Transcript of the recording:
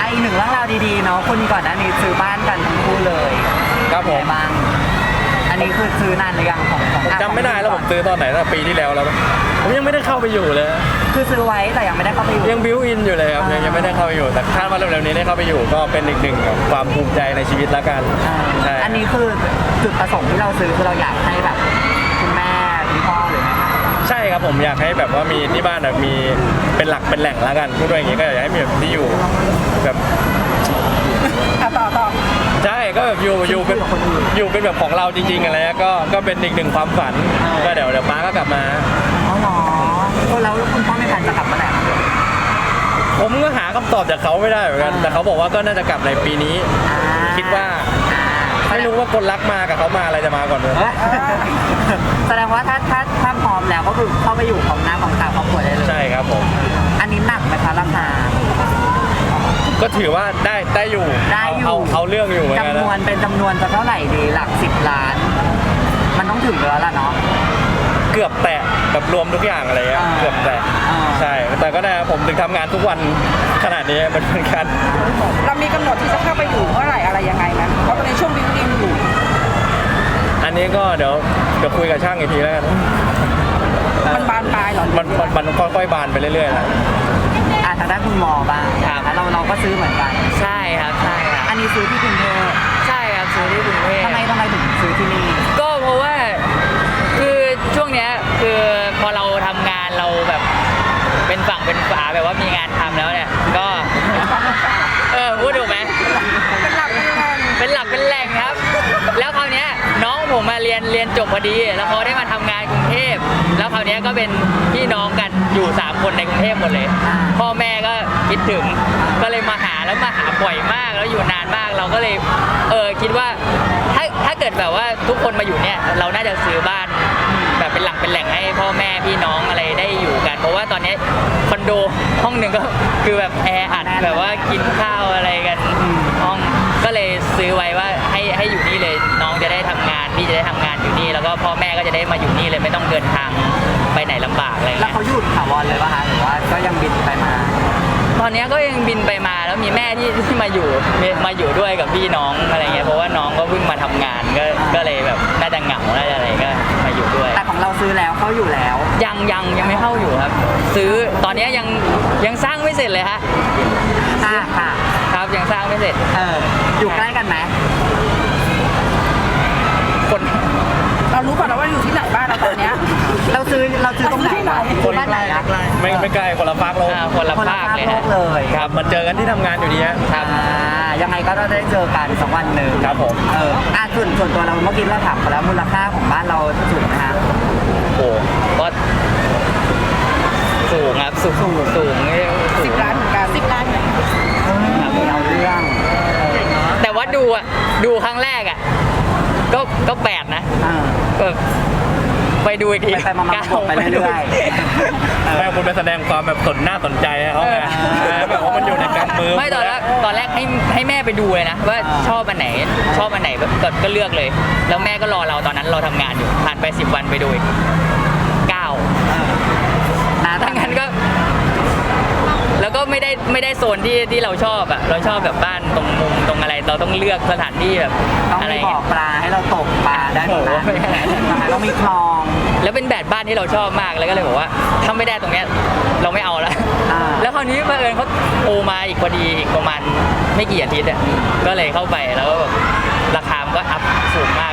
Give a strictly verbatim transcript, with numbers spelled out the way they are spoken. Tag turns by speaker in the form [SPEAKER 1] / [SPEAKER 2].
[SPEAKER 1] อีกหนึ่งเรื่องราวดีๆเนาะคุณก่อนหน้านี้ซื้อบ้านกันทั้งคู่เลย
[SPEAKER 2] ครับผม
[SPEAKER 1] บ้างอันนี้คือซื้อนานหรือยังของของ
[SPEAKER 2] จำไม่ได้แล้วผมซื้อตอนไหนตั้งปีที่แล้วแล้วผมยังไม่ได้เข้าไปอยู่เลย
[SPEAKER 1] คือซื้อไว้แต่ยังไม่ได้เข้าไปอยู่
[SPEAKER 2] ยังบิวอินอยู่เลยครับยังยังไม่ได้เข้าไปอยู่แต่คาดว่าเร็วๆนี้ได้เข้าไปอยู่ก็เป็นอีกหนึ่งความภูมิใจในชีวิตแล้วกัน
[SPEAKER 1] ใช่อันนี้คือจุดประสงค์ที่เราซื้อคือเราอยากให้แบบคุณแม่คุณพ่อหรือไง
[SPEAKER 2] ใช่ครับผมอยากให้แบบว่ามีที่บ้านแบบมีเป็นหลักเป็นแหล่งแล้วกันพูดด้วยอย่างนี้ก็อยากให้มีแบบที่อยู่แบบ
[SPEAKER 3] ต่อต่อ
[SPEAKER 2] ใช่ก็แบบอยู่อยู่เป็นอยู่เป็นแบบของเราจริงๆอะไรก็ก็เป็นอีกหนึ่งความฝันก็เดี๋ยวเดี๋ยวป้าก็กลับมา
[SPEAKER 1] อ๋อเหรอแล้วคุณพ่อไม่ทันจะกลับมาไหน
[SPEAKER 2] ผมก็หาคำตอบจากเขาไม่ได้เหมือนกันแต่เขาบอกว่าก็น่าจะกลับในปีนี้คิดว่าไม่รู้ว่าคนรักมากับเขามาอะไรจะมาก่อนเลย
[SPEAKER 1] แสดงว่าถ้าถ้าถ้าพร้อมแล้วก็คือเข้าไปอยู่ของหน้าของตาครอบครัวได้เลย
[SPEAKER 2] ใช่ครับผม
[SPEAKER 1] อันนี้หนักไหมคะราคา
[SPEAKER 2] ก็ถือว่าได้ได้อยู่
[SPEAKER 1] ได้อยู่
[SPEAKER 2] เอาเอาเรื่องอยู่
[SPEAKER 1] จำนวนเป็นจำนวนจะเท่าไหร่ดีหลักสิบล้านมันต้องถึงแล้วล่ะเนาะ
[SPEAKER 2] เกือบแตะแบบรวมทุกอย่างอะไรเงี้ยเกือบแตะใช่แต่ก็ได้ผมถึงทำงานทุกวันขนาดนี้มันเป็นการ
[SPEAKER 3] เรามีกำหนดที่จะเข้าไปอยู่เมื่อไหร่อะไรยังไงไหมเพราะตอนนี้ช่วงบิวอินอยู่
[SPEAKER 2] อันนี้ก็เดี๋ยวเดี๋ยวคุยกับช่างอีกทีแล้วกัน
[SPEAKER 3] มันบานปลายหรอ
[SPEAKER 2] มันมันค่อยๆบานไปเรื่อยๆนะ
[SPEAKER 1] อ่ะทางด้านคุณหมอบ้างเราเราก็ซื้อเหมือนกัน
[SPEAKER 4] ใช่ครับใช่ครับ
[SPEAKER 1] อันนี้ซื้อที่กรุงเทพ
[SPEAKER 4] ใช่ครับซื้อที่กรุงเทพ
[SPEAKER 1] ทำไมทำไมถึงซื้อที่นี่
[SPEAKER 4] ก็เพราะว่าคือช่วงเนี้ยคือพอเราทำงานเราแบบเป็นฝั่งเป็นฝาแบบว่ามีงานทำแล้วเนี่ยก็เออพูดถูกไหม
[SPEAKER 3] เป็นหลักเป็นแหล่ง
[SPEAKER 4] เป็นหลักเป็นแหล่งครับแล้วคราวเนี้ยน้องผมมาเรียนเรียนจบพอดีแล้วเขาได้มาทำงานกรุงเทพแล้วคราวเนี้ยก็เป็นพี่น้องกันอยู่สามคนในกรุงเทพหมดเลยพ่อแม่ก็คิดถึงก็เลยมาหาแล้วมาหาบ่อยมากแล้วอยู่นานมากเราก็เลยเออคิดว่าถ้าถ้าเกิดแบบว่าทุกคนมาอยู่เนี่ยเราน่าจะซื้อบ้านแบบเป็นหลักเป็นแหล่งให้พ่อแม่พี่น้องอะไรได้อยู่กันเพราะว่าตอนนี้คอนโดห้องหนึ่งก็คือแบบแออัดแบบว่ากินข้าวอะไรกันห้องก็เลยซื้อไว้ว่าให้ให้อยู่นี่เลยน้องจะได้ทำงานพี่จะได้ทำงานอยู่นี่แล้วก็พ่อแม่ก็จะได้มาอยู่นี่เลยไม่ต้องเดินทางไปไหนลำบากอะไรเงี้ย
[SPEAKER 1] แล้วเขาหยุดถาวรเลยป่ะคะหรือว่าก็ยังบินไปมา
[SPEAKER 4] ตอนนี้ก็ยังบินไปมาแล้วมีแม่ที่ที่มาอยู่มาอยู่ด้วยกับพี่น้องอะไรเงี้ยเพราะว่าน้องก็เพิ่งมาทำงานก็ก็เลยแบบน่าจะเหงาน่าจะอะไรก็มาอยู่ด้วย
[SPEAKER 1] แต่ของเราซื้อแล้วเขาอยู่แล้ว
[SPEAKER 4] ยังยังยังไม่เข้าอยู่ครับซื้อตอนนี้ยังยังสร้างไม่เสร็จเลยฮะ
[SPEAKER 1] ค่ะค่ะ
[SPEAKER 4] ครับยังสร้างไม่เสร็จ
[SPEAKER 1] เอออยู่ใกล้กันไหม
[SPEAKER 4] คน
[SPEAKER 3] เรารู้ก่อนนะว่าอยู่ที่ไหนบ้านเราตอนเนี้ย
[SPEAKER 1] เราซื้อเราซื้อตรงไหน
[SPEAKER 2] คนบ้านไหนไม่ไม่ไกลคนละภาคโลก
[SPEAKER 4] คนละภาค
[SPEAKER 1] เลย
[SPEAKER 2] ครับมันเจอกันที่ทำงานอยู่ดี
[SPEAKER 1] ครับยังไงก็ได้เจอกันสักวันหนึ่ง
[SPEAKER 2] ครับผม
[SPEAKER 1] เอออ่ะส่วนส่วนตัวเราเมื่อกี้เราถามไปแล้วมูลค่าของบ้านเราสูงไหมฮะ
[SPEAKER 4] โอ้ก็สูงครับสูงสูงสูง
[SPEAKER 3] สิบล้านเหมือนกันสิบล้านเลย
[SPEAKER 1] เอาเรื่อง
[SPEAKER 4] แต่ว่าดูอ่ะดูครั้งแรกอ่ะก็ก็แปดนะก็ไปดูอีกที
[SPEAKER 1] ไปมาๆไปเรื่อย
[SPEAKER 2] ๆแม่คุณไปแสดงความแบบสนหน้าสนใจเขาไงแบบว่ามันอยู่ในกำมือ
[SPEAKER 4] ไม่ตอนแรกตอนแรกให้ให้แม่ไปดูเลยนะว่าชอบอันไหนชอบอันไหนก็ก็เลือกเลยแล้วแม่ก็รอเราตอนนั้นเราทำงานอยู่ผ่านไปสิบวันไปดูอีกเก้านะถ้างั้นก็แล้วก็ไม่ได้ไม่ได้โซนที่ที่เราชอบอ่ะเราชอบแบบบ้านตรงมุมตรงอะไรเราต้องเลือกสถานที่แบบ
[SPEAKER 1] อะไรบ่อปลาให้เราตกปลาได้หมดนะต้องมีคลอง
[SPEAKER 4] แล้วเป็นแบบบ้านที่เราชอบมากแล้วก็เลยบอกว่าถ้าไม่ได้ตรงเนี้ยเราไม่เอาแล้วแล้วคราวนี้เพื่อนเขาโอมาอีกพอดีอีกประมาณไม่กี่อาทิตย์อ่ะก็เลยเข้าไปแล้วก็แบบราคามันก็อัพสูงมาก